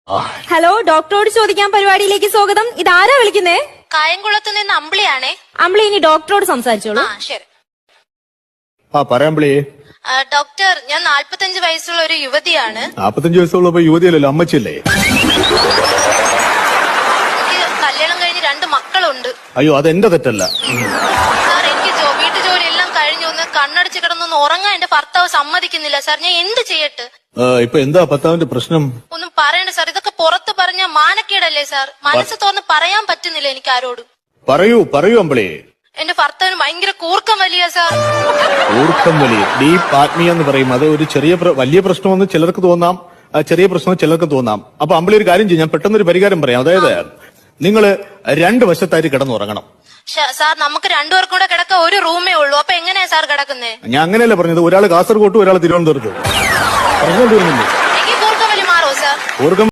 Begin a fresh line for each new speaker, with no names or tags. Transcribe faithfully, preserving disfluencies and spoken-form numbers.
Hello, ഡോക്ടറോട് ചോദിക്കാൻ പരിപാടിയിലേക്ക് സ്വാഗതം. ഇതാരാ വിളിക്കുന്നേ?
കായംകുളത്ത് നിന്ന് അമ്പിളിയാണേ.
അമ്പിളി, ഇനി ഡോക്ടറോട് സംസാരിച്ചോളൂ.
ആ ശരി.
ആ പറയാമ്പിളി.
ഡോക്ടർ, ഞാൻ നാല്പത്തഞ്ച് വയസ്സുള്ള ഒരു യുവതിയാണ്.
നാപ്പത്തഞ്ച് വയസ്സുള്ളപ്പോ യുവതിയല്ലല്ലോ, അമ്മച്ചല്ലേ?
എനിക്ക് കല്യാണം കഴിഞ്ഞ് രണ്ട് മക്കളുണ്ട്.
അയ്യോ, അതെന്റെ തെറ്റല്ല
സാർ. എനിക്ക് വീട്ടു ജോലി എല്ലാം കഴിഞ്ഞു, ഒന്ന് കണ്ണടച്ച് കിടന്നൊന്ന് ഉറങ്ങാൻ എന്റെ ഭർത്താവ് സമ്മതിക്കുന്നില്ല സാർ. ഞാൻ എന്ത് ചെയ്യട്ടെ?
ഇപ്പൊ എന്താ ഭർത്താവിന്റെ പ്രശ്നം?
ഒന്നും പറയണ്ട സാർ. ഇതൊക്കെ പുറത്ത് പറഞ്ഞ മാനക്കേടല്ലേ സാർ? മനസ്സ് തുറന്ന് പറയാൻ പറ്റുന്നില്ല എനിക്ക് ആരോടും.
പറയൂ പറയൂ അമ്പിളി.
എന്റെ ഭർത്താവിന് ഭയങ്കര കൂർക്കം വലിയ സാർ.
കൂർക്കം വലിയ ഡീപ് ആത്മീയ എന്ന് പറയും. അത് ഒരു ചെറിയ വലിയ പ്രശ്നമെന്ന് ചിലർക്ക് തോന്നാം, ചെറിയ പ്രശ്നം ചിലർക്ക് തോന്നാം. അപ്പൊ അമ്പിളി ഒരു കാര്യം ചെയ്യും, ഞാൻ പെട്ടെന്നൊരു പരിഹാരം പറയാം. അതായത് നിങ്ങള് രണ്ട് വശത്തായിട്ട് കിടന്നുറങ്ങണം.
സാർ, നമുക്ക് രണ്ടുപേർക്കും കൂടെ കിടക്കാൻ ഒരു റൂമേ ഉള്ളൂ. അപ്പൊ എങ്ങനെയാ സാർ കിടക്കുന്നേ?
ഞാൻ അങ്ങനെയല്ല പറഞ്ഞത്. ഒരാൾ കാസർഗോട്ടും ഒരാൾ തിരുവനന്തപുരത്തും. പറഞ്ഞോണ്ടിരുന്നില്ലേ?
എനിക്ക് കൂർക്കം വലി മാറോ സാർ?
കൂർക്കം